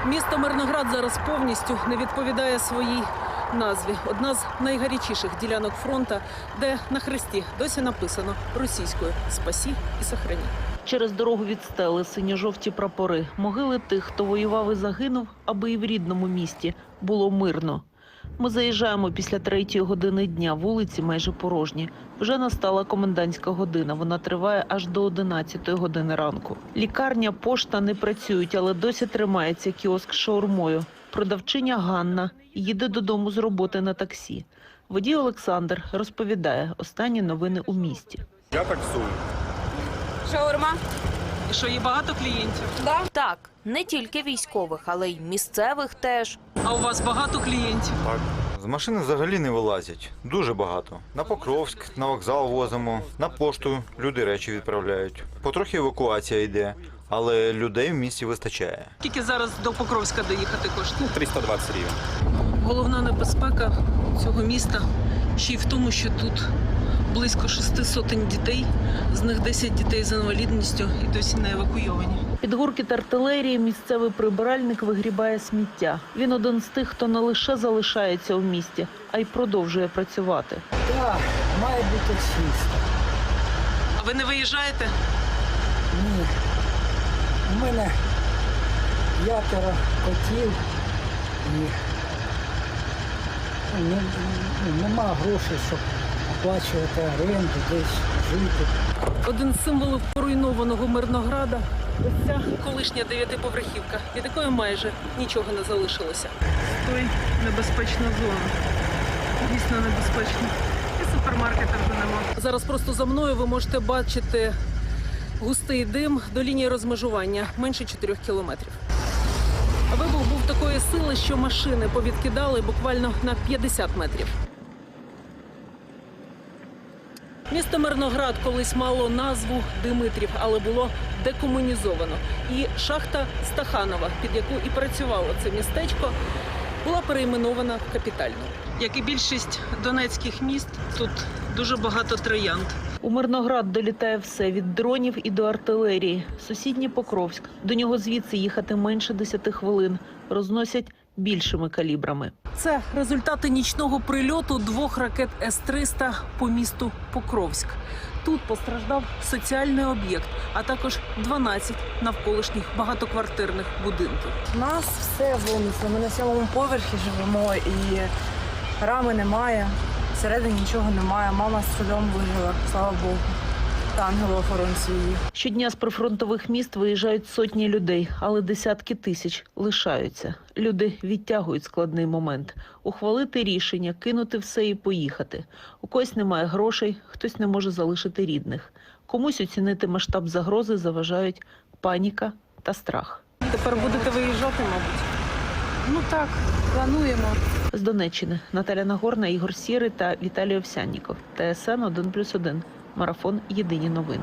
Місто Мирноград зараз повністю не відповідає своїй назві. Одна з найгарячіших ділянок фронту, де на хресті досі написано російською «Спасі і сохрані». Через дорогу від стели синьо-жовті прапори. Могили тих, хто воював і загинув, аби і в рідному місті було мирно. Ми заїжджаємо після 3-ї години дня. Вулиці майже порожні. Вже настала комендантська година. Вона триває аж до 11-ї години ранку. Лікарня, пошта не працюють, але досі тримається кіоск з шаурмою. Продавчиня Ганна їде додому з роботи на таксі. Водій Олександр розповідає останні новини у місті. Я таксую. Шаурма? І що, є багато клієнтів? Да. Так, не тільки військових, але й місцевих теж. А у вас багато клієнтів? Так. З машини взагалі не вилазять. Дуже багато. На Покровськ, на вокзал возимо, на пошту люди речі відправляють. Потрохи евакуація йде, але людей в місті вистачає. Скільки зараз до Покровська доїхати коштує? 320 гривень. Головна небезпека цього міста ще й в тому, що тут близько 600 дітей, з них 10 дітей з інвалідністю і досі не евакуйовані. Під гуркіт артилерії місцевий прибиральник вигрібає сміття. Він один з тих, хто не лише залишається у місті, а й продовжує працювати. Так, має бути чисто. А ви не виїжджаєте? Ні. У мене 5 котів і нема грошей, щоб оплачувати оренду, десь жити. Один з символів поруйнованого Мирнограда – ось ця колишня 9-поверхівка, від якої майже нічого не залишилося. Той небезпечна зона. Дійсно небезпечно. І супермаркета вже нема. Зараз просто за мною ви можете бачити густий дим до лінії розмежування – менше 4 кілометрів. Вибух був такої сили, що машини повідкидали буквально на 50 метрів. Місто Мирноград колись мало назву Димитрів, але було декомунізовано. І шахта Стаханова, під яку і працювало це містечко, була перейменована в Капітальну. Як і більшість донецьких міст, тут дуже багато троянд. У Мирноград долітає все – від дронів і до артилерії. Сусідній Покровськ. До нього звідси їхати менше 10 хвилин. Розносять більшими калібрами. Це результати нічного прильоту 2 ракет С-300 по місту Покровськ. Тут постраждав соціальний об'єкт, а також 12 навколишніх багатоквартирних будинків. У нас все винесло. Ми на 7-му поверхі живемо і рами немає. Всередині нічого немає. Мама з сольом вижила, слава Богу. Та ангело-охоронці її. Щодня з прифронтових міст виїжджають сотні людей, але десятки тисяч лишаються. Люди відтягують складний момент. Ухвалити рішення, кинути все і поїхати. У когось немає грошей, хтось не може залишити рідних. Комусь оцінити масштаб загрози заважають паніка та страх. Тепер будете виїжджати, мабуть? Ну так, плануємо. З Донеччини Наталя Нагорна, Ігор Сірий та Віталій Овсянніков. ТСН 1+1. Марафон. Єдині новини.